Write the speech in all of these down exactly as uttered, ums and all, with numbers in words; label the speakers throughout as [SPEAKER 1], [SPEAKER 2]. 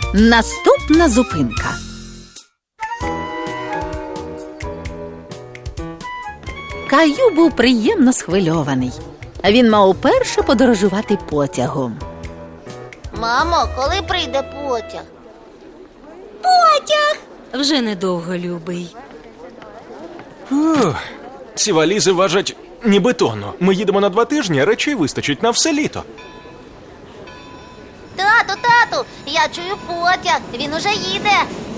[SPEAKER 1] Наступна зупинка. Каю був приємно схвильований. Він мав уперше подорожувати потягом.
[SPEAKER 2] Мамо, коли прийде потяг?
[SPEAKER 3] Потяг! Вже недовго, любий.
[SPEAKER 4] Ух, ці валізи важать ніби тонну. Ми їдемо на два тижні, а речей вистачить на все літо.
[SPEAKER 2] Тату, тату, я чую потяг, він уже їде.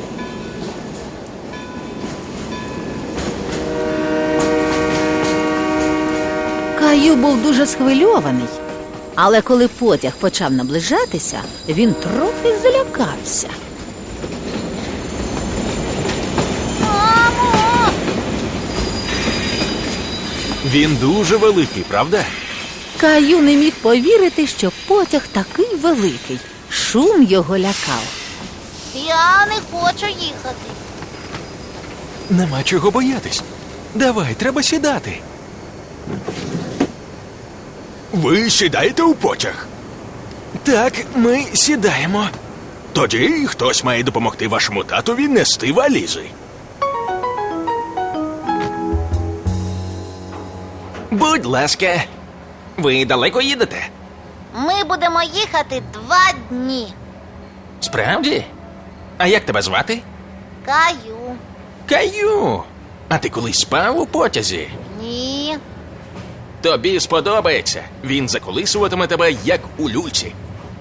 [SPEAKER 1] Каю був дуже схвильований. Але коли потяг почав наближатися, він трохи злякався.
[SPEAKER 2] Мамо!
[SPEAKER 4] Він дуже великий, правда?
[SPEAKER 1] Каю не міг повірити, що потяг такий великий. Шум його лякав.
[SPEAKER 2] Я не хочу їхати.
[SPEAKER 4] Нема чого боятись. Давай, треба сідати. Ви сідаєте у потяг? Так, ми сідаємо. Тоді хтось має допомогти вашому татові нести валізи. Будь ласка. Ви далеко їдете?
[SPEAKER 2] Ми будемо їхати два дні.
[SPEAKER 4] Справді? А як тебе звати?
[SPEAKER 2] Каю.
[SPEAKER 4] Каю. А ти колись спав у потязі?
[SPEAKER 2] Ні.
[SPEAKER 4] Тобі сподобається. Він заколисуватиме тебе, як у люльці.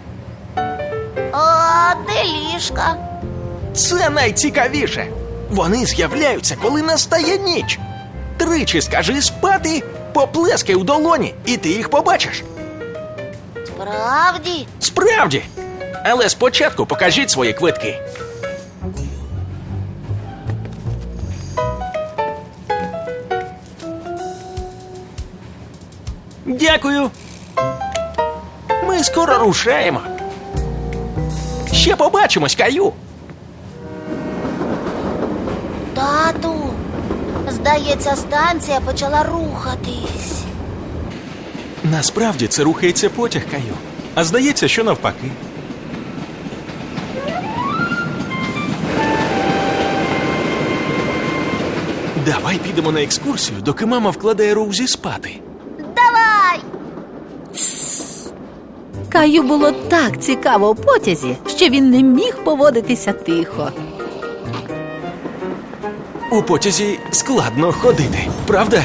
[SPEAKER 2] А де ліжка?
[SPEAKER 4] Це найцікавіше. Вони з'являються, коли настає ніч. Тричі скажи спати, поплескай у долоні, і ти їх побачиш.
[SPEAKER 2] Справді?
[SPEAKER 4] Справді. Але спочатку покажіть свої квитки. Дякую. Ми скоро рушаємо. Ще побачимось, Каю.
[SPEAKER 2] Тату, здається, станція почала рухатись.
[SPEAKER 4] Насправді це рухається потяг, Каю. А здається, що навпаки. Давай підемо на екскурсію, доки мама вкладає Роузі спати.
[SPEAKER 2] Давай!
[SPEAKER 1] Каю було так цікаво у потязі, що він не міг поводитися тихо.
[SPEAKER 4] У потязі складно ходити, правда?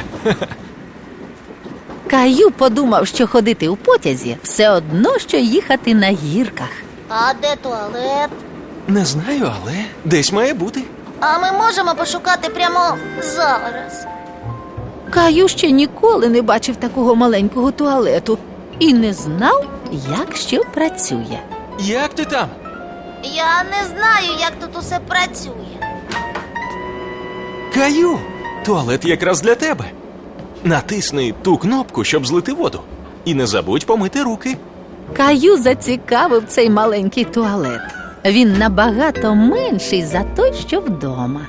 [SPEAKER 1] Каю подумав, що ходити у потязі все одно, що їхати на гірках.
[SPEAKER 2] А де туалет?
[SPEAKER 4] Не знаю, але десь має бути.
[SPEAKER 2] А ми можемо пошукати прямо зараз.
[SPEAKER 1] Каю ще ніколи не бачив такого маленького туалету і не знав, як що працює.
[SPEAKER 4] Як ти там?
[SPEAKER 2] Я не знаю, як тут усе працює.
[SPEAKER 4] Каю, туалет якраз для тебе. Натисни ту кнопку, щоб злити воду. І не забудь помити руки.
[SPEAKER 1] Каю зацікавив цей маленький туалет. Він набагато менший за той, що вдома.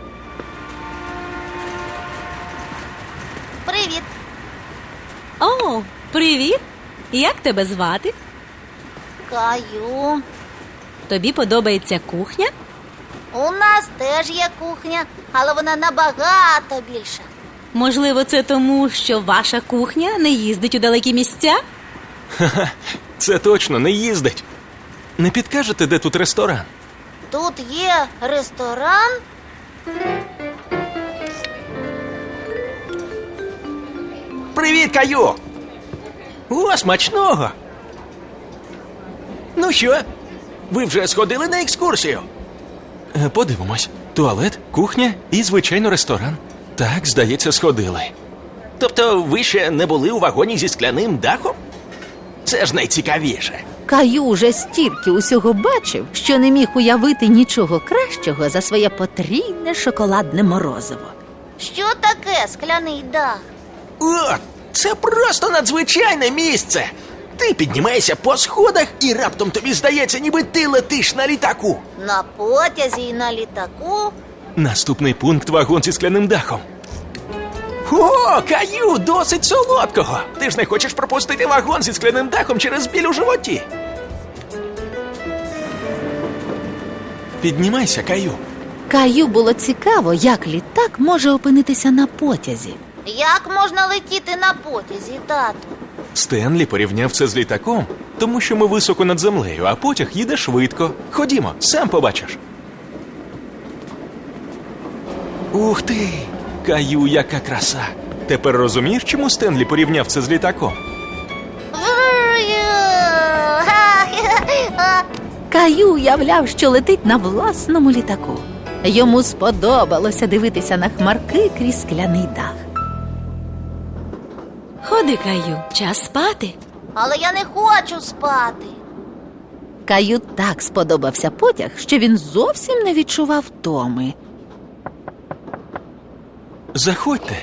[SPEAKER 2] Привіт.
[SPEAKER 3] О, привіт! Як тебе звати?
[SPEAKER 2] Каю.
[SPEAKER 3] Тобі подобається кухня?
[SPEAKER 2] У нас теж є кухня, але вона набагато більша.
[SPEAKER 3] Можливо, це тому, що ваша кухня не їздить у далекі місця?
[SPEAKER 4] Ха-ха, це точно не їздить. Не підкажете, де тут ресторан?
[SPEAKER 2] Тут є ресторан.
[SPEAKER 4] Привіт, Каю! О, смачного! Ну що, ви вже сходили на екскурсію? Е, подивимось. Туалет, кухня і, звичайно, ресторан. Так, здається, сходили. Тобто ви ще не були у вагоні зі скляним дахом? Це ж найцікавіше.
[SPEAKER 1] Каю уже стільки усього бачив, що не міг уявити нічого кращого за своє потрійне шоколадне морозиво.
[SPEAKER 2] Що таке скляний дах?
[SPEAKER 4] О, це просто надзвичайне місце! Ти піднімаєшся по сходах і раптом тобі здається, ніби ти летиш на літаку.
[SPEAKER 2] На потязі і на літаку?
[SPEAKER 4] Наступний пункт – вагон зі скляним дахом. О, Каю, досить солодкого! Ти ж не хочеш пропустити вагон зі скляним дахом через біль у животі? Піднімайся, Каю.
[SPEAKER 1] Каю було цікаво, як літак може опинитися на потязі.
[SPEAKER 2] Як можна летіти на потязі, тату?
[SPEAKER 4] Стенлі порівняв це з літаком, тому що ми високо над землею, а потяг їде швидко. Ходімо, сам побачиш. Ух ти! Каю, яка краса! Тепер розумієш, чому Стенлі порівняв це з літаком?
[SPEAKER 1] Каю уявляв, що летить на власному літаку. Йому сподобалося дивитися на хмарки крізь скляний дах.
[SPEAKER 3] Ходи, Каю, час спати.
[SPEAKER 2] Але я не хочу спати.
[SPEAKER 1] Каю так сподобався потяг, що він зовсім не відчував втоми.
[SPEAKER 4] Заходьте.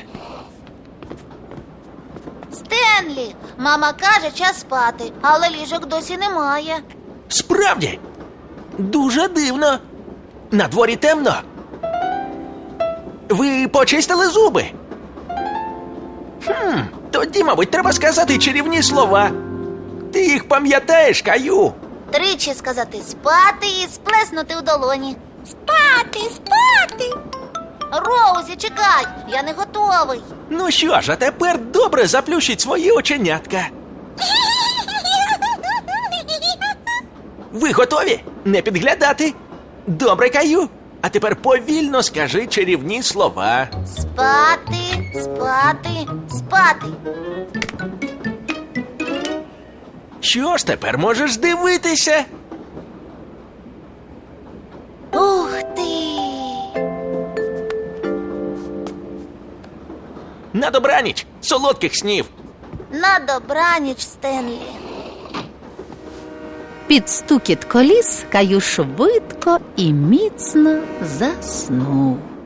[SPEAKER 2] Стенлі, мама каже, час спати, але ліжок досі немає.
[SPEAKER 4] Справді? Дуже дивно. На дворі темно. Ви почистили зуби? Хм, тоді, мабуть, треба сказати чарівні слова. Ти їх пам'ятаєш, Каю?
[SPEAKER 2] Тричі сказати спати і сплеснути у долоні. Спати, спати. Роузі, чекай, я не готовий.
[SPEAKER 4] Ну що ж, а тепер добре заплющіть свої оченятка. Ви готові? Не підглядати? Добре, Каю. А тепер повільно скажи чарівні слова.
[SPEAKER 2] Спати, спати, спати.
[SPEAKER 4] Що ж, тепер можеш дивитися?
[SPEAKER 2] Ух ти!
[SPEAKER 4] На добраніч, солодких снів.
[SPEAKER 2] На добраніч, Стенлі.
[SPEAKER 1] Під стукіт коліс Каю швидко і міцно заснув.